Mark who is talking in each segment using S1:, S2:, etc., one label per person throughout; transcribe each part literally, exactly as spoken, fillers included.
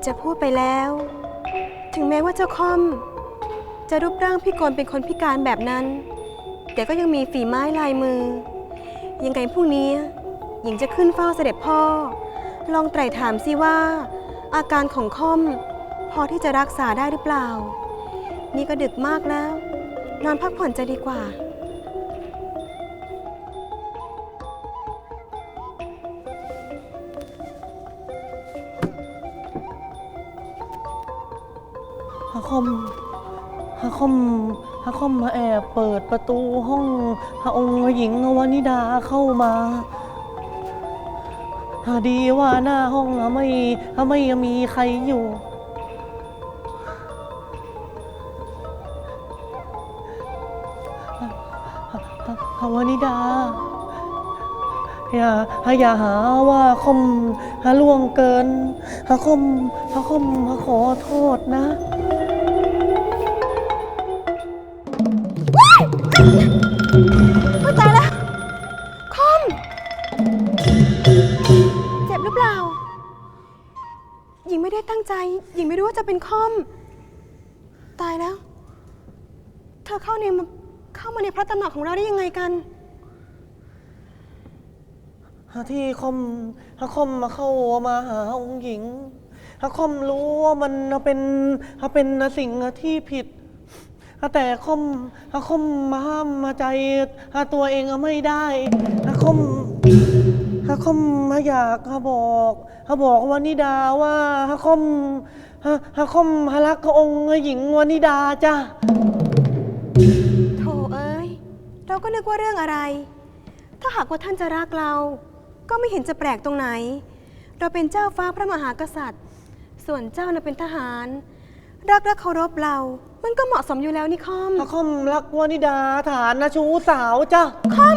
S1: จะพูดไปแล้วถึงแม้ว่าเจ้าค่อมจะรูปร่างพิกลเป็นคนพิการแบบนั้นแต่ก็ยังมีฝีไม้ลายมือยังไงพรุ่งนี้หญิงจะขึ้นเฝ้าเสด็จพ่อลองไตร่ถามสิว่าอาการของค่อมพอที่จะรักษาได้หรือเปล่านี่ก็ดึกมากแล้วนอนพักผ่อนจะดีกว่า
S2: ฮะคอมฮะคอมฮะคอมมาแอบเปิดประตูห้องฮะองค์หญิงวานิดาเข้ามาฮะดีว่าหน้าห้องฮะไม่ฮะไม่มีใครอยู่ฮะฮะฮะวานิดาอย่าฮะอย่าหาว่าคอมฮะล่วงเกินฮะคอมฮะคอมฮะขอโทษนะ
S1: เข้าใจแล้วคอมเจ็บหรือเปล่าหญิงไม่ได้ตั้งใจหญิงไม่รู้ว่าจะเป็นคอมตายแล้วเธอเข้าในเข้ามาในพระตำหนักของเราได้ยังไงกัน
S2: ที่คอมฮะคอมมาเข้ามาหาองค์หญิงฮะคอมรู้ว่ามันเป็นฮะเป็นสิ่งที่ผิดแต่คอมฮะคอมมาห้ามมาใจฮะตัวเองไม่ได้ฮะคอมฮะคอมมาอยากฮะบอกฮะบอกวานิดาว่าฮะคอมฮะฮะคอมฮะรักองค์หญิงวานิดาจ้ะ
S1: โธ่เอ้ยเราก็นึกว่าเรื่องอะไรถ้าหากว่าท่านจะรักเราก็ไม่เห็นจะแปลกตรงไหนเราเป็นเจ้าฟ้าพระมหากษัตริย์ส่วนเจ้าน่ะเป็นทหารรักและเคารพเรามันก็เหมาะสมอยู่แล้วนี่คอม
S2: คอมรักวานิดาฐานนะชูสาวจ้ะ
S1: คอม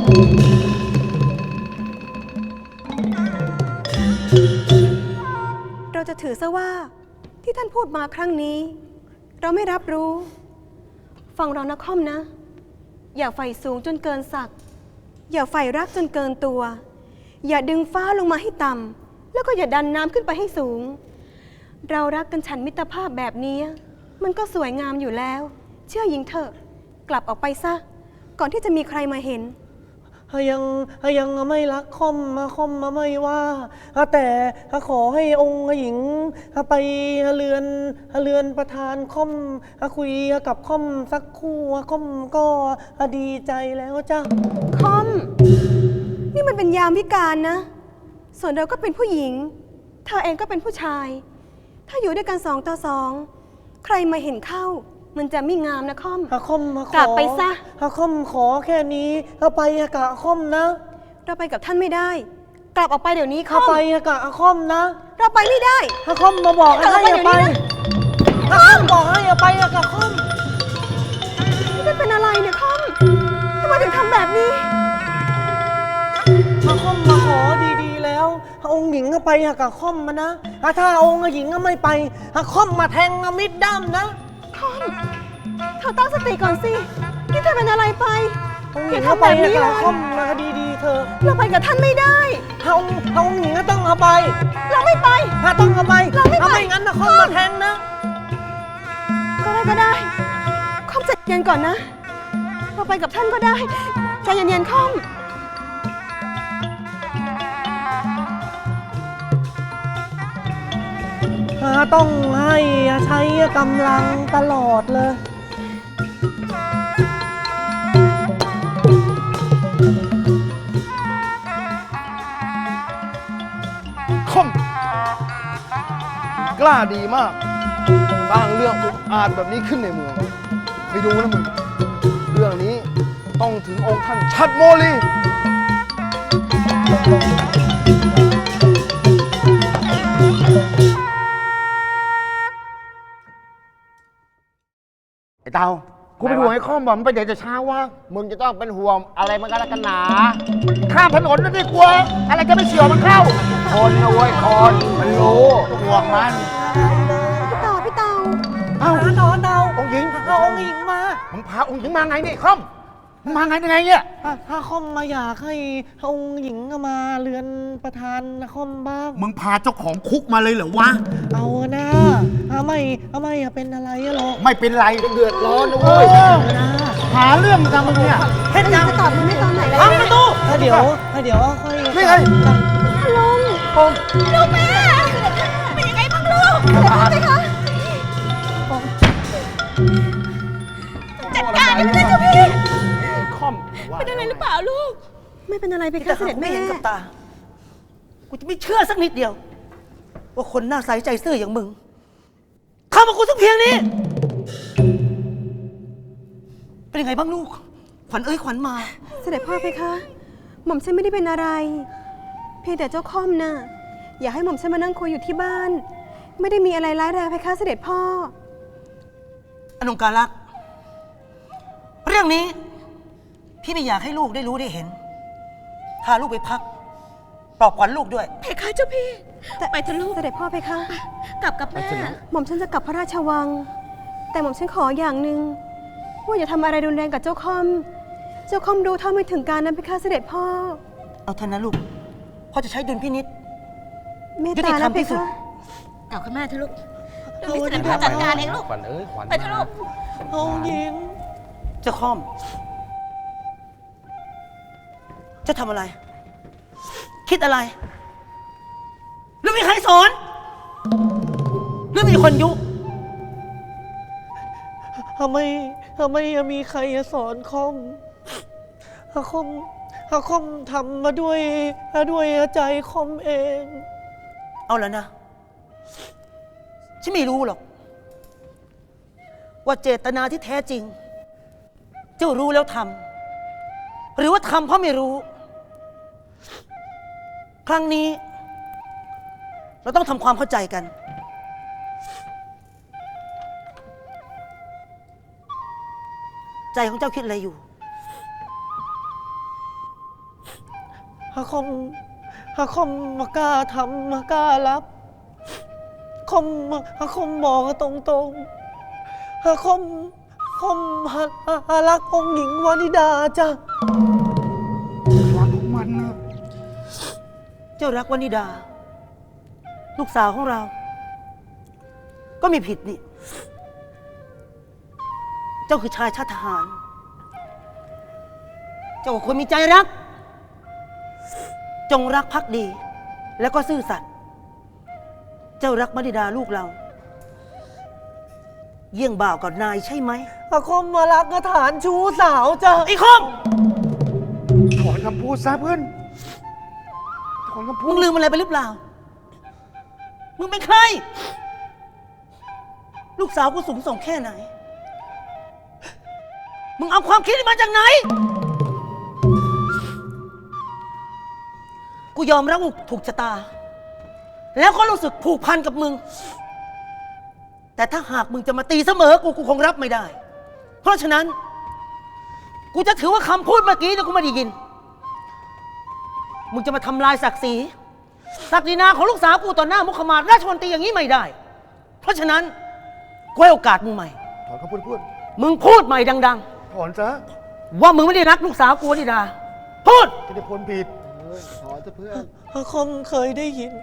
S1: เราจะถือซะว่าที่ท่านพูดมาครั้งนี้เราไม่รับรู้ฟังเรานะคอมนะอย่าใฝ่สูงจนเกินศักดิ์อย่าใฝ่รักจนเกินตัวอย่าดึงฟ้าลงมาให้ต่ำแล้วก็อย่าดันน้ำขึ้นไปให้สูงเรารักกันฉันมิตรภาพแบบนี้มันก็สวยงามอยู่แล้วเชื่อหญิงเถอะกลับออกไปซะก่อนที่จะมีใครมาเห็น
S2: ยังยังไม่รักคอมมาคอมมาไม่ว่าแต่ขอให้องค์หญิงไปเรือนเรือนประธานคอมคุยกับคอมสักคู่คอมก็ดีใจแล้วจ้ะ
S1: คอมนี่มันเป็นยามวิกาลนะส่วนเราก็เป็นผู้หญิงเธอเองก็เป็นผู้ชายถ้าอยู่ด้วยกันสองต่อสองใครมาเห็นเข้ามันจะไม่งามนะคอม
S2: ฮะคอม
S1: กลับไปซะ
S2: ฮะคอมขอแค่นี้เราไปกับคอมนะ
S1: เราไปกับท่านไม่ได้กลับออกไปเดี๋ยวนี้คอม
S2: ไปกับคอมนะ
S1: เราไปไม่ได้
S2: ฮะคอมมาบอกให้อย่าไปฮะคอมบอกให้อย่าไปกับคอม
S1: นี่เป็นอะไรเนี่ยคอมทำไมถึงทำแบบนี้
S2: ฮะคอมมาขอดีๆแล้วองค์หญิงก็ไปกับคอมมานะถ้าองค์หญิงก็ไม่ไปฮะคอมมาแทงมิดด้ามนะ
S1: คอมเธอตั้งสติก่อนสินี่เธอเป็นอะไรไป
S2: อย่าทำแบบนี้เลยคอมมาดีๆเธอ
S1: เราไปกับท่านไม่ได้
S2: เฮาเฮาหญิงก็ต้องเอาไป
S1: เราไม่ไป
S2: ถ้าต้องเอาไป
S1: เราไม่ไป
S2: ไม่งั้นนะคอมมาแทงนะ
S1: ก็ได้ก็ได้คอมใจเย็นก่อนนะเราไปกับท่านก็ได้ใจเย็นๆคอม
S2: ต้องให้ใช้กำลังตลอดเลย
S3: คอมกล้าดีมากสร้างเรื่องอุกอาจแบบนี้ขึ้นในเมืองไปดูนะมึงเรื่องนี้ต้องถึงองค์ท่านชัดโมลี
S4: ไอ้เตากูเป็นห่วงไอ้ข้อมบอกมันไปเดี๋ยวจะช้าวะมึงจะต้องเป็นห่วงอะไรมันกันละกันหนาข้ามถนนนั่นดีกว่าอะไรจะไม่เฉียวมันเข้าคนนะเว้ยคนมันรู้ห่วงมัน
S1: พี่เต่าพี่เต่า
S4: เอ้า
S2: เต่าเต่า
S4: องค์หญิง
S2: เอาองค์หญิงมา
S4: มึงพาองค์หญิงมาไงนี่ข้อมมาไงยังไงเนี่ย
S2: ถ้าคอมมาอยากให้องค์หญิงมาเรือนประธานนะคอมบ้าง
S4: มึงพาเจ้าของคุกมาเลยเหรอวะ
S2: เอานะเอาไม่เอาไม่เป็นอะไรหรอก
S4: ไม่เป็นไร
S3: เดือดร้อนนะ
S4: เอ
S3: เว้ย
S4: อหาเรื่องกับมึงเนี่ย
S1: เห็นยังจะตอบมันไม่ตอนไหนเลย
S2: พังประตูเดี๋ยวเดี๋ยวค่อย
S3: นี่ไง
S1: ลุง
S3: ผม
S1: ลูกแม่เป็นยังไงบ้างลูกเสด็จพ่อไหมคะจัดการนี่เจ้าพี่
S3: คอม
S1: เป็นอะไรหรือเปล่าลูก ไม่เป็นอะไรไป
S5: แต่
S1: คะเส
S5: หาก
S1: ด็จ
S5: ไม่
S1: แม่
S5: เห็นกับตา กูจะไม่เชื่อสักนิดเดียว ว่าคนหน้าใสใจซื่ออย่างมึงเข้ามากูสักเพียงนี้ เป็นยังไงบ้างลูก ขวัญเอ้ยขวัญมา
S1: เสด็จพ่อไปคะหม่อมฉันไม่ได้เป็นอะไร เพียงแต่เจ้าค่อมน่ะอย่าให้หม่อมฉันมานั่งคุยอยู่ที่บ้าน ไม่ได้มีอะไรร้ายแรงไปคะเสด็จพ่อ
S5: อนงการลักษณ์เรื่องนี้ พี่ไม่อยากให้ลูกได้รู้ได้เห็น พาลูกไปพัก ปลอบขวัญลูกด้วย
S6: เพคะเจ้าพี่
S1: แต่
S6: ไปเถอะลูก
S1: เสด็จพ่อไปคะ
S6: กลับกับแม่
S1: หม่อมฉันจะกลับพระราชวัง แต่หม่อมฉันขออย่างหนึ่งว่าอย่าทำอะไรรุนแรงกับเจ้าค่อม เจ้าค่อมรู้เท่าไม่ถึงการนั้นไปคะเสด็จพ่อ
S5: เอาเถอะนะลูก พ่อจะใช้ดุลพินิษ
S1: เมต
S5: ยุติ
S1: ตา
S5: ธรร
S1: นะ
S5: ม
S1: ไป
S5: ที่สุด
S1: คะ
S6: กลับกับแม่เถอะลูกเดี๋ยวพี่เสด็จพ่อจัดการเองลูก
S3: ขวัญเอ้ยขวัญ
S6: ไปเถอะลูก
S2: องค์หญิง
S5: เจะคอม จะทำอะไร คิดอะไร หรือมีใครสอน หรือมีคนยุ
S2: ทำไมทำไมมีใครสอนคอมอาคอมอาคอมทำมาด้วยด้วยใจคอมเอง
S5: เอาแล้วนะ ฉันไม่รู้หรอก ว่าเจตนาที่แท้จริง เจ้ารู้แล้วทำหรือว่าทำเพราะไม่รู้ ครั้งนี้ เราต้องทำความเข้าใจกัน ใจของเจ้าคิดอะไรอยู่
S2: อาคอมอาคอมมากล้าทำมากล้ารับคอมอาคอมบอกตรงๆอาคอมคอมหาหารักองค์หญิงวานิดาจ้ะ
S4: รักของมันนะ
S5: เจ้ารักวนิดา ลูกสาวของเรา ก็มีผิดนี่ เจ้าคือชายชาติทหาร เจ้าก็ควรมีใจรัก จงรักภักดี แล้วก็ซื่อสัตย์เจ้ารักวนิดาลูกเรา เยี่ยงบ่าวกับนายใช่ไหม
S2: อาคอมมารักฐานชู้สาวจ้ะ
S5: ไอ้คอม
S4: ถอนคำพูดซะเพื่อนถอนคำพู
S5: มึ
S4: ด
S5: งลืมอะไรไปหรือเปล่า มึงเป็นใคร ลูกสาวกูสูงส่งแค่ไหน มึงเอาความคิดนี้มาจากไหน กูยอมรับว่าถูกชะตา แล้วก็รู้สึกผูกพันกับมึง แต่ถ้าหากมึงจะมาตีเสมอ กูกูคงรับไม่ได้ เพราะฉะนั้น กูจะถือว่าคำพูดเมื่อกี้เนี่ยกูไม่ได้ยิน มึงจะมาทำลายศักดิ์ศรีศักดินาของลูกสาวกูต่อหน้ามุขมาศราชมนตรีอย่างนี้ไม่ได้ เพราะฉะนั้นกูให้โอกาสมึงใหม่
S3: ถอนคำพูดพูด
S5: มึงพูดใหม่ดัง
S3: ถอนซะ
S5: ๆ ว่ามึงไม่ได้รักลูกสาวกูวนิดา พูด
S3: จะได้พ้นผิดถอนซะเพื่อน
S2: อาคอมเคยได้ยิน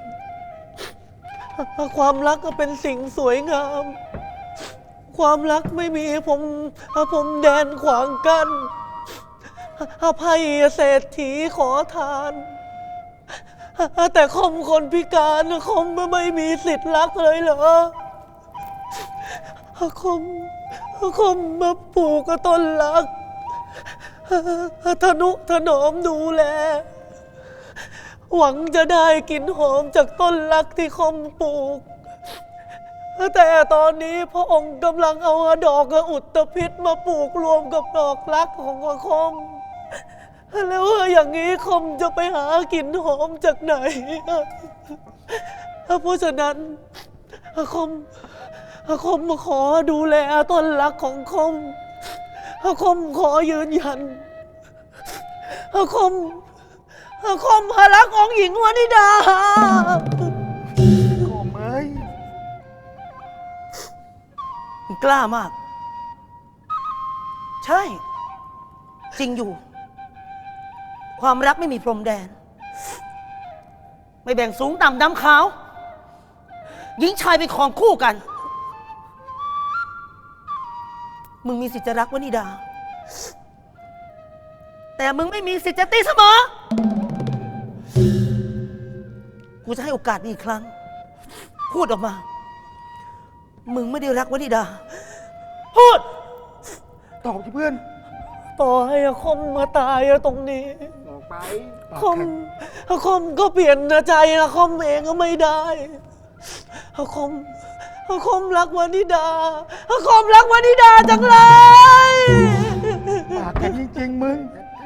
S2: ความรักก็เป็นสิ่งสวยงาม ความรักไม่มีผมผมแดนขวางกัน้นอภัยเศรษฐีขอทาน แต่คอมคนพิการคอมไม่มีสิทธิ์รักเลยเหรอคอมคอมมาปลูกต้นรักทนุถนอมดูแล หวังจะได้กลิ่นหอมจากต้นรักที่คอมปลูก แต่ตอนนี้พระองค์กำลังเอาดอกอุตภิษมาปลูกรวมกับดอกรักของคอม แล้วอย่างนี้คอมจะไปหากลิ่นหอมจากไหน เพราะฉะนั้นคอมคอมมาขอดูแลต้นรักของคอมคอมขอยืนยันคอมคอมหารักองค์หญิงวานิดา
S4: โอ้เอ้ย
S5: มึงกล้ามาก ใช่จริงอยู่ ความรักไม่มีพรมแดน ไม่แบ่งสูงต่ำดำขาว หญิงชายเป็นของคู่กัน มึงมีสิทธิ์จะรักวนิดา แต่มึงไม่มีสิทธิ์จะตีเสมอ กูจะให้โอกาสนี้อีกครั้ง พูดออกมา มึงไม่ได้รักวนิดา พูด
S4: ตอบที่เพื่อน
S2: ต่อให้อาคมมาตายตรงนี้
S4: ออกไป
S2: อาคมอาคมก็เปลี่ยนใจอาคมเองก็ไม่ได้อาคมอาคมรักวนิดาอาคมรักวนิดาจังเลย
S4: ปากแข็งจริงๆมึง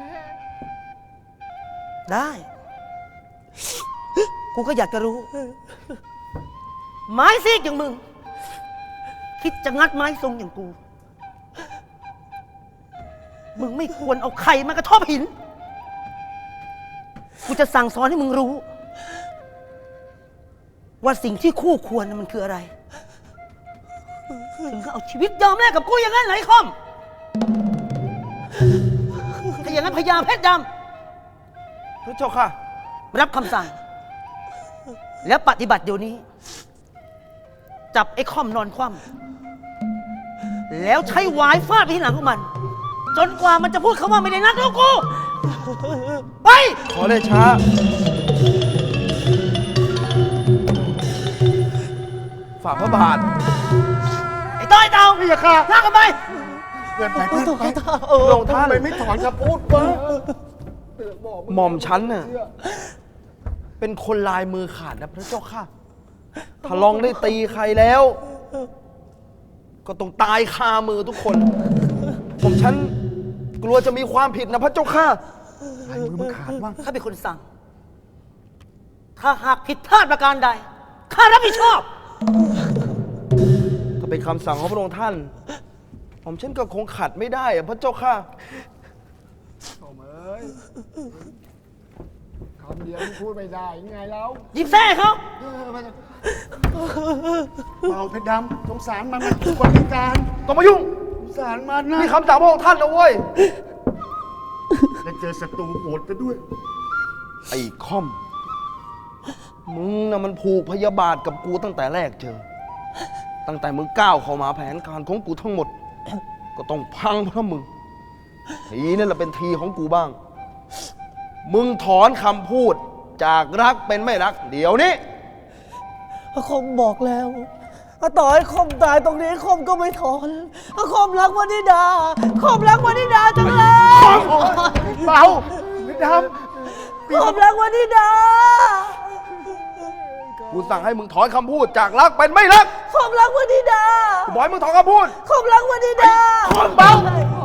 S5: ได้ กูก็อยากจะรู้ ไม้ซีกอย่างมึง คิดจะงัดไม้ทรงอย่างกู มึงไม่ควรเอาไข่มากระทบหิน กูจะสั่งสอนให้มึงรู้ ว่าสิ่งที่คู่ควรน่ะมันคืออะไร ถึงเอาชีวิตยอมแลกกับกูอย่างนั้นเหรอไอ้คอม ถ้าอย่างนั้นพญาเพชรด
S3: พระเจ้าค่ะ
S5: ำรับคำสั่ง แล้วปฏิบัติเดี๋ยวนี้ จับไอ้คอมนอนคว่ำแล้วใช้หวายฟาดไปที่หลังของมัน จนกว่ามันจะพูดคำว่าไม่ได้นัดแล้วกู ไป
S3: ขอเลยช้า ฝ่าพระบาท
S5: ไอ้ต้อยเต่าพี่อย่าฆ่าฆ่ากันไป
S4: เกินไปเพื่อนไป
S3: พระองค์ท่าน
S4: ทำไมไม่ถอนคำพูดวะ
S3: หม่อมฉันน่ะเป็นคนลายมือขาดนะพระเจ้าค่ะ ถ้าลองได้ตีใครแล้ว ก็ต้องตายคามือทุกคน ผมฉันกลัวจะมีความผิดนะพระเจ้าค่ะ
S4: ลายมือมึงขาดว่าง
S5: ข้าเป็นคนสั่ง ถ้าหากผิดพลาดประการใด ข้ารับผิดชอบ
S3: ถ้าเป็นคำสั่งของพระองค์ท่าน ผมฉันก็คงขัดไม่ได้อะพระเจ้าค่ะ
S4: โอ้เอ้ยคำเดียวมึงพูดไม่ได้ยังไงแล้ว
S5: หยิบแส้เขา
S4: เบาเพชรดำสงสารมันมันคือคนพิการ
S3: ต้องมายุ่ง
S4: สงสารมันนะ
S3: นี่คำสั่งพระองค์ท่านนะเว้ย
S4: และเจอศัตรูโหดไปด้วย
S3: ไอ้คอม มึงน่ะมันผูกพยาบาทกับกูตั้งแต่แรกเจอ ตั้งแต่มึงก้าวเข้ามาแผนการของกูทั้งหมด ก็ต้องพังเพราะมึง ทีนั่นแหละเป็นทีของกูบ้าง มึงถอนคำพูดจากรักเป็นไม่รัก เดี๋ยวนี้
S2: อาคมบอกแล้วว่าต่อให้คมตายตรงนี้คมก็ไม่ถอนอาคมรักวนิดาคมรักวนิดาจังเลย
S4: เบาเพชรด
S2: คมรักวนิดา
S3: กูสั่งให้มึงถอนคำพูดจากรักเป็นไม่รัก
S2: คมรักวนิดา
S3: กูบอกให้มึงถอนคำพูด
S2: คมรักวนิดา
S3: คอมเบา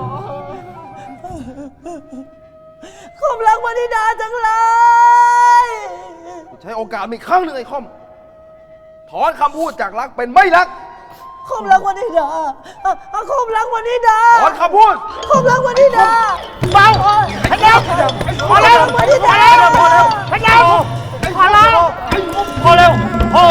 S2: คมรักวนิดาจังเลย
S3: กูใช้โอกาสมีกครั้งหนึ่งไอ้คอม ถอนคำพูดจากรักเป็นไม่รัก
S2: คมรักวนิดาอ่ะอ่ะคมรักวนิดา
S3: ถอนคำพูด
S2: คมรักวนิดา
S3: เบา
S2: พยาวพอแล้ววนิดาพอแล้วพยาวพอแล้ว
S3: พอเร็วพอ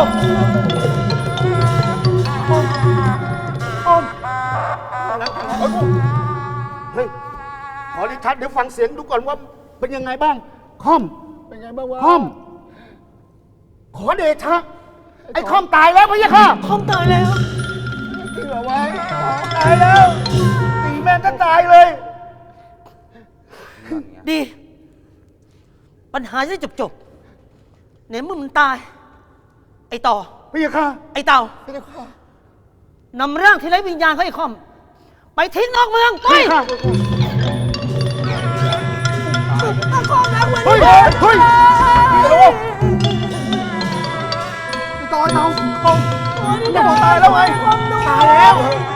S4: เฮ้ย ขอริทัศน์เดี๋ยวฟังเสียงดูก่อนว่าเป็นยังไงบ้าง คอม เป็นไงบ้างวะ คอม ขอเดชะ ไอ้คอมตายแล้วพี่ค่ะ
S2: คมตายแล้ว
S4: เชื่อไว้ ตายแล้ว ตีแม่งก็ตายเลย
S5: ดี ปัญหาจะได้จบจบๆในเมื่อมันตาย ไอ้ต่อ
S4: พี่ค่ะ
S5: ไอ้เต่า
S4: พี่ค่ะ
S5: นำร่างที่ไร้วิญญาณของไอ้คอม ไปทิ้งนอกเมือง ไป
S4: พี่ค่ะ
S2: คมรักวนิ
S3: เฮ้ย
S2: ดา
S3: เฮ้ย
S4: ต่อเตาคอม
S3: จะบอกตายแล้วไง
S4: ตายแล้ว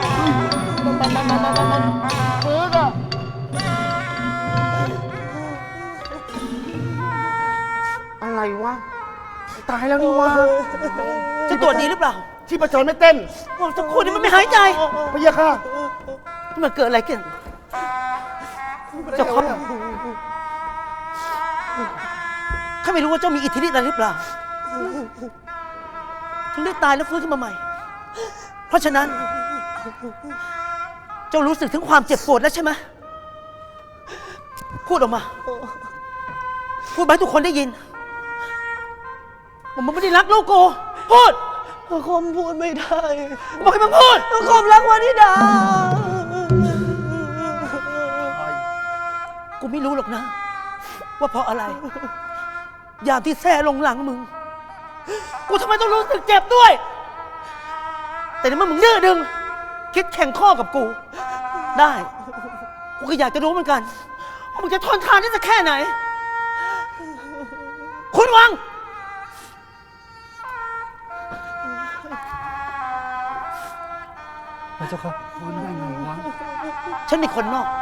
S4: ฟื้นอ่ะ อะไรวะ ตายแล้วนี่วะ
S5: จะตรวจดีหรือเปล่า
S4: ที่ประจรไม่เต้น
S5: ว่าสักครู่นี้มันไม่หายใจ
S4: พี่ค่ะ
S5: มันเกิดอะไรขึ้นเจ้าคอมข้าไม่รู้ว่าเจ้ามีอิทธิฤทธิ์อะไรหรือเปล่า ถึงได้ตายแล้วฟื้นขึ้นมาใหม่ เพราะฉะนั้น เจ้ารู้สึกถึงความเจ็บปวดแล้วใช่ไหมพูดออกมา พูดไปให้ทุกคนได้ยินว่ามึงไม่ได้รักลูกกูพูด
S2: พระคมพูดไม่ได้
S5: บอกให้มึงพูด
S2: พระคมรักวานิดา
S5: กูไม่รู้หรอกนะ ว่าเพราะอะไร ยามที่แซ่ลงหลังมึง กูทำไมต้องรู้สึกเจ็บด้วย แต่ในเมื่อมึงดื้อดึง คิดแข่งข้อกับกู ได้ กูก็อยากจะรู้เหมือนกันว่ามึงจะทนทานได้สักแค่ไหน คุณวัง
S2: พระเจ้าค่ะ
S5: ฉันเป็นคนนอก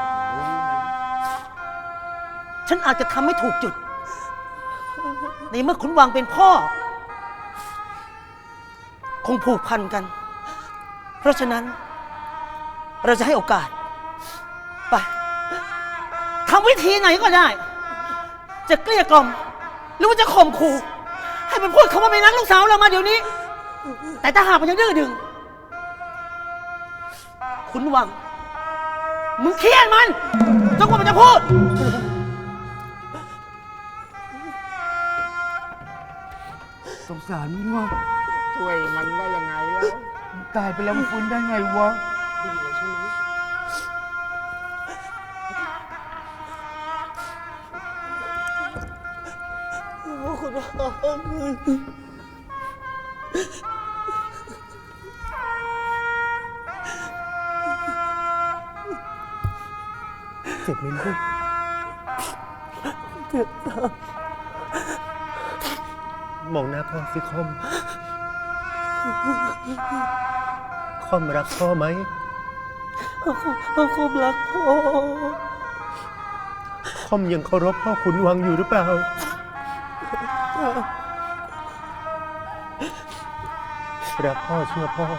S5: ฉันอาจจะทำไม่ถูกจุด ในเมื่อขุนวังเป็นพ่อ คงผูกพันกัน เพราะฉะนั้น เราจะให้โอกาส ไปทำวิธีไหนก็ได้ จะเกลี้ยกล่อม หรือว่าจะข่มขู่ ให้มันพูดคำว่าไม่รักลูกสาวเรามาเดี๋ยวนี้ แต่ถ้าหากมันยังดื้อดึง ขุนวัง มึงเคียนมันจนกว่ามันจะพูด
S4: สงสารมันวะช่วยมันได้ยังไงแล้วมันตายไปแล้วมันฟื้นได้ไงวะ
S2: คุณวัง
S4: เจ็บไหมลูก
S2: เจ็บตามมองหน้าพ่อสิคอม คอมรักพ่อไหมพ่อคอมรักพ่อ คอมยังเคารพพ่อขุนวังอยู่หรือเปล่า รักพ่อเชื่อพ่อ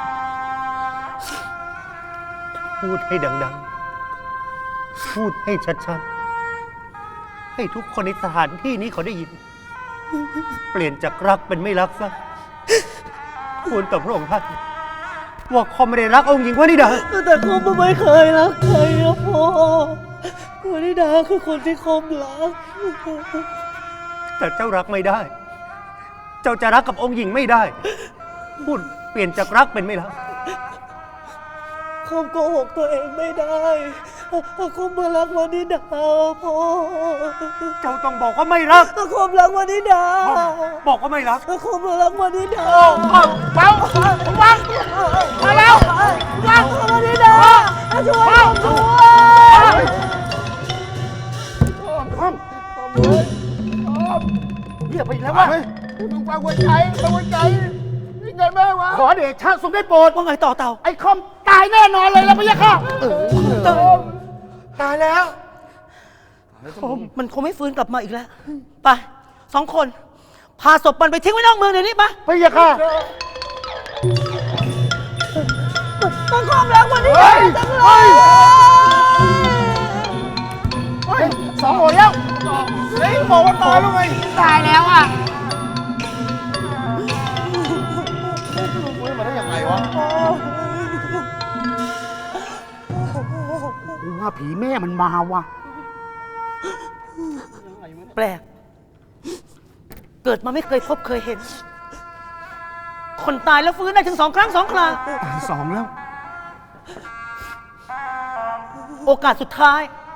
S2: พูดให้ดังๆ พูดให้ชัดๆ ให้ทุกคนในสถานที่นี้เขาได้ยิน เปลี่ยนจากรักเป็นไม่รักซะควรต่อพระองค์ท่านว่าคอมไม่ได้รักองค์หญิงวานิดาแต่คอมไม่เคยรักใครนะพ่อวานิดาคือคนที่คอมรัก แต่เจ้ารักไม่ได้ เจ้าจะรักกับองค์หญิงไม่ได้ พูดเปลี่ยนจากรักเป็นไม่รักคอมโกหกตัวเองไม่ได้คอมมารักวานิดาพ่อเจ้าต้องบอกว่าไม่รักคอมรักวานิดาบอกว่าไม่รักคอมมารักวานิดาเบาเบามาแล้วรักวานิดาช่วยผมด้วยคอมเรียกไปแล้ววะมึงฟังหัวใจฟังหัวใจนี่ไงแม่วะขอเดชะทรงได้โปรดว่าไงต่อเต่าไอ้คอมตายแน่นอนเลยแล้วพี่ยะค่ะตายแล้ว
S5: มันคงไม่ฟื้นกลับมาอีกแล้ว ไปสองคน พาศพมันไปทิ้งไว้นอกเมืองเดี๋ยวนี้ไป
S4: พี่ยะค่ะ
S2: มันความรักวันนี้จังเลย
S4: สองหัวแล้วเฮ้ยบอกว่าตายแล้วไงตายแล้วอ่ะฟื้นมาได้ยังไงวะกูว่าผีแม่มันมาวะ
S5: แปลก เกิดมาไม่เคยพบเคยเห็น คนตายแล้วฟื้นได้ถึงสองครั้งสองครา
S4: ตายสองแล้ว
S5: โอกาสสุดท้าย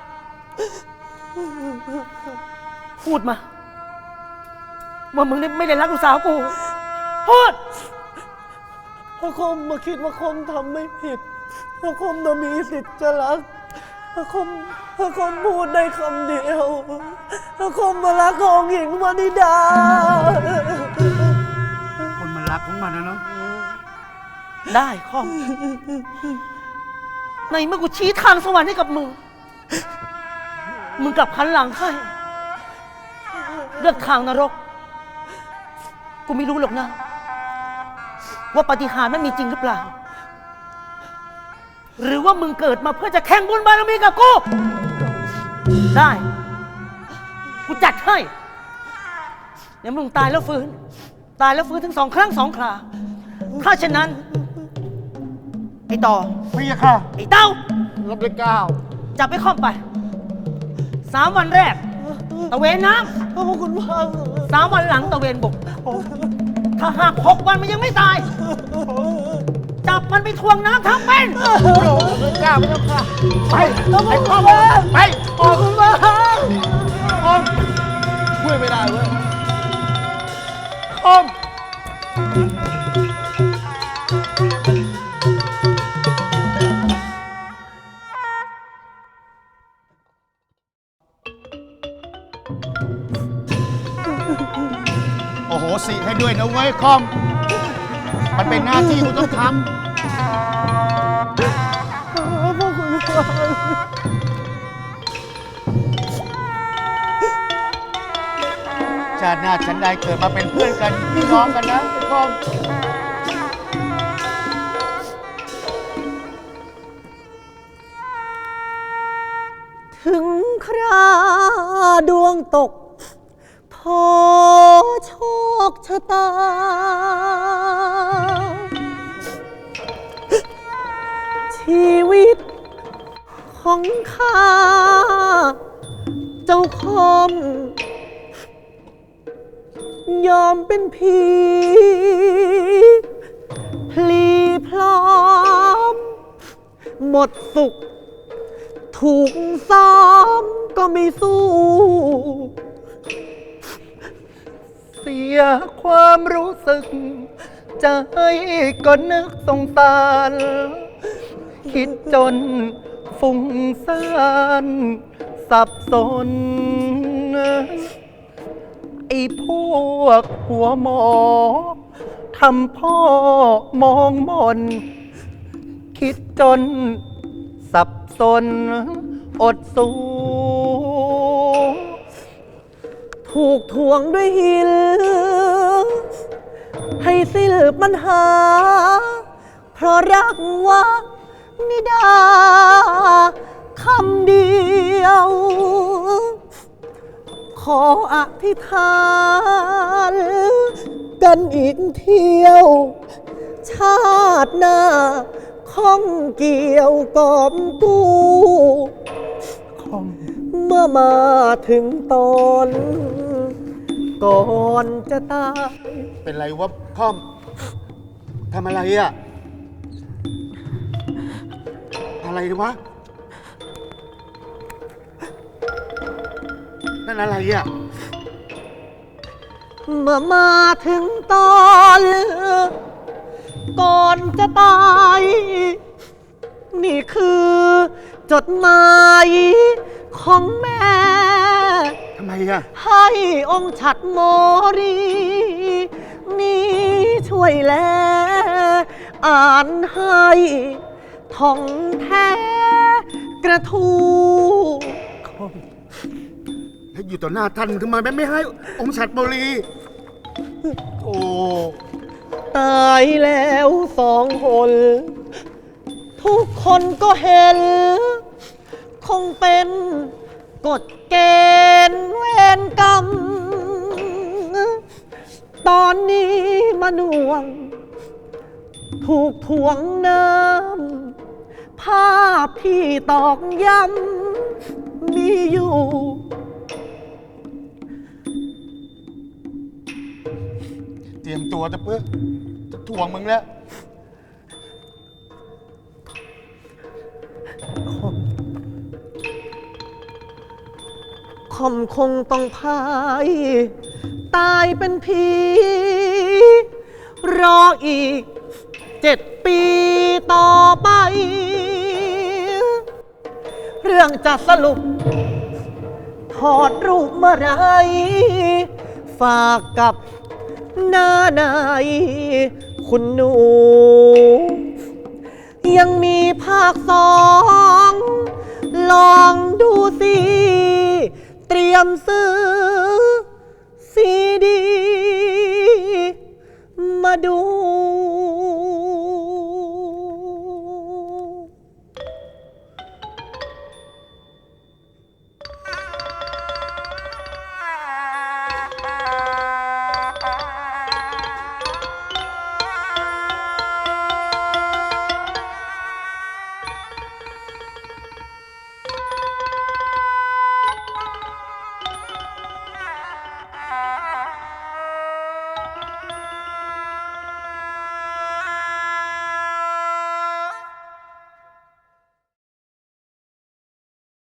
S5: พูดมา ว่ามึงไม่ได้รักลูกสาวกู พูด
S2: พระคมมาคิดว่าคมทำไม่ผิดพระคมน่ะมีสิทธิ์จะรักพระคมพระคมพูดได้คำเดียวพระคมมารักของหญิงวานิดา
S4: คนมันรักของมันนะเนาะ
S5: ได้ข้อม ในเมื่อกูชี้ทางสวรรค์ให้กับมึง มึงกลับหันหลังให้เลือกทางนรก กูไม่รู้หรอกนะ ว่าปาฏิหาริย์มันมีจริงหรือเปล่า หรือว่ามึงเกิดมาเพื่อจะแข่งบุญบารมีกับกู ได้ กูจัดให้ เดี๋ยวมึงตายแล้วฟื้น ตายแล้วฟื้นถึงสองครั้งสองครา ถ้าเช่นนั้น ไอ้ต่อ
S4: พี่ยะค่ะ
S5: ไอ้เต้า
S4: รับได้เก้า
S5: จับไปข้อมไปสามวันแรก ตะเวนน้
S2: ขอบคุณมาก
S5: ำสามวันหลังตะเวนบก ถ้าหากหกวันมันยังไม่ตาย จับมันไปทวงน้ำทั้งเป็น
S4: ไม่กล้าไม่ต้องกล้าไปไอ้พ่อไป
S2: ขอบคุณมาก
S3: ช่วยไม่ได้เว้ย
S4: คอมโอ้โหสิให้ด้วยนะเว้ยคอม มันเป็นหน้าที่กูต้องทำ
S2: ขอบคุณมาก
S4: ชาติหน้าฉันได้เกิดมาเป็นเพื่อนกันพี่น้องกันนะไอ้คอม
S2: ถึงคราดวงตก พอโชคชะตา ชีวิตของข้า เจ้าคอม ยอมเป็นผีพลีพร้อม หมดสุข ถูกซ้อมก็ไม่สู้ เสียความรู้สึก ใจก็นึกสงสาร คิดจนฟุ้งซ่านสับสน ไอ้พวกหัวหมอทำพ่อมองมน คิดจนสับสนอดสูถูกทวงด้วยหิน ให้สิ้นปัญหา เพราะรักว่านิดาคำเดียว ขออธิษฐานกันอีกเที่ยว ชาติหน้าข้องเกี่ยวกอบกู้เมื่อมาถึงตอนก่อนจะตาย
S4: เป็นไรวะคอม ทำอะไรอ่ะ อะไรวะ นั่นอะไรอ่ะ
S2: เมื่อมาถึงตอนก่อนจะตาย นี่คือจดหมายของแม่
S4: ทำไมอ่ะ
S2: ให้องค์ฉัดโมรี นี่ช่วยแล อ่านให้ท่องแท้กระทู
S4: แล้วอยู่ต่อหน้าท่านทำไมไม่ให้องค์ฉัดบุรี โอ้
S2: ตายแล้วสองคน ทุกคนก็เห็น คงเป็นกฎเกณฑ์เวรกรรม ตอนนี้มาหน่วง ถูกทวงน้ำภาพที่ตอกย้ำมีอยู่
S4: เตรียมตัวจะเพื่อจะทวงมึงแล้ว
S2: คอมคงต้องพาย ตายเป็นผี รออีกเจ็ดปีต่อไป เรื่องจะสรุป ถอดรูปเมื่อไร ฝากกับหน้านายคุณหนู ยังมีภาคสอง ลองดูสิ เตรียมซื้อซีดี มาดู